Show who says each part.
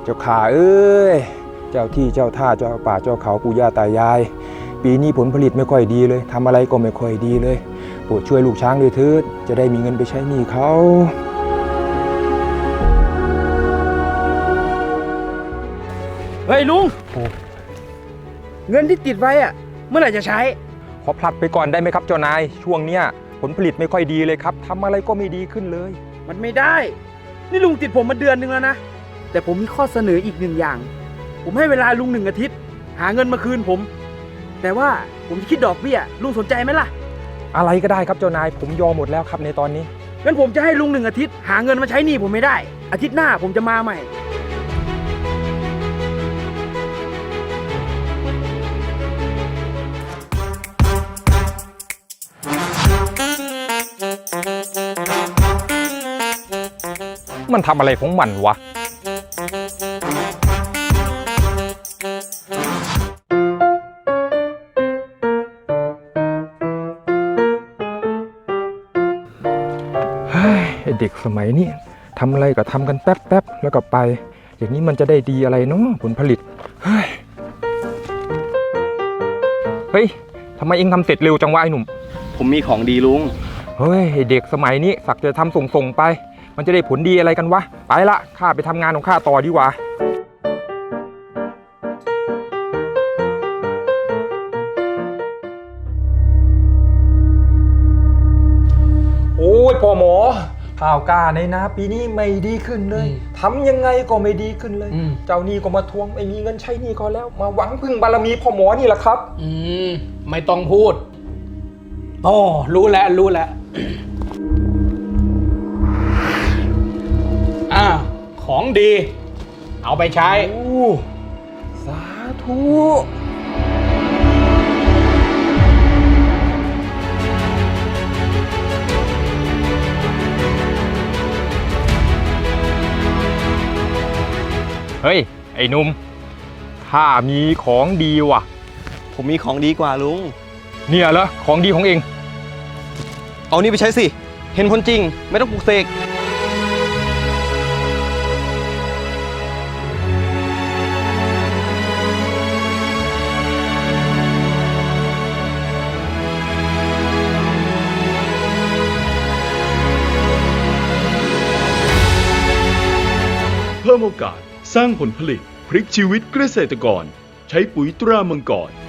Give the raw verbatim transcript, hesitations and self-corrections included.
Speaker 1: เจ้าข่าเอ้ยเจ้าที่เจ้าท่าเจ้าป่าเจ้าเขาปู่ย่าตายายปีนี้ผลผลิตไม่ค่อยดีเลยทำอะไรก็ไม่ค่อยดีเลยโปรดช่วยลูกช้างด้วยเถิดจะได้มีเงินไปใช้หนี้เขา
Speaker 2: เฮ้ยลุงเงินที่ติดไว้อะเมื่อไหร่จะใช้
Speaker 1: ขอผลัดไปก่อนได้ไหมครับเจ้านายช่วงเนี้ยผลผลิตไม่ค่อยดีเลยครับทำอะไรก็ไม่ดีขึ้นเลย
Speaker 2: มันไม่ได้นี่ลุงติดผมมาเดือนนึงแล้วนะแต่ผมมีข้อเสนออีกหนึ่งอย่างผมให้เวลาลุงหนึ่งอาทิตย์หาเงินมาคืนผมแต่ว่าผมจะคิดดอกเบี้ยลุงสนใจไหมล่ะ
Speaker 1: อะไรก็ได้ครับเจ้านายผมยอมหมดแล้วครับในตอนนี้
Speaker 2: งั้นผมจะให้ลุงหนึ่งอาทิตย์หาเงินมาใช้หนี้ผมไม่ได้อาทิตย์หน้าผมจะมาใหม่
Speaker 1: มันทำอะไรของมันวะเฮ้ยเด็กสมัยนี้ทำอะไรก็ทำกันแป๊บๆแล้วก็ไปอย่างนี้มันจะได้ดีอะไรเนาะผลผลิตเฮ้ยเฮ้ยทำไมเองทำเสร็จเร็วจังวะไอ้หนุ่ม
Speaker 3: ผมมีของดีลุง
Speaker 1: เฮ้ยเด็กสมัยนี้สักจะทำส่งๆไปมันจะได้ผลดีอะไรกันวะไปละข้าไปทำงานของข้าต่อดีกว่าโอ้ยพ่อหมอข่าวกล้าในนาปีนี้ไม่ดีขึ้นเลยทำยังไงก็ไม่ดีขึ้นเลยเจ้านี่ก็มาทวงไม่มีเงินใช้หนี้เขาแล้วมาหวังพึ่งบารมีพ่อหมอนี่แหละครับ
Speaker 4: อืมไม่ต้องพูดโอ้รู้แล้วรู้แล้วอ่าของดีเอาไปใช้
Speaker 1: โอ้สาธุเฮ้ยไอ้หนุ่มข้ามีของดีว่ะ
Speaker 3: ผมมีของดีกว่าลุง
Speaker 1: เนี่ยเหรอของดีของเอง
Speaker 3: เอานี่ไปใช้สิเห็นผลจริงไม่ต้องปลุกเสก
Speaker 5: เพิ่มโอกาสสร้างผลผลิตพลิกชีวิตเกษตรกรใช้ปุ๋ยตรามังกร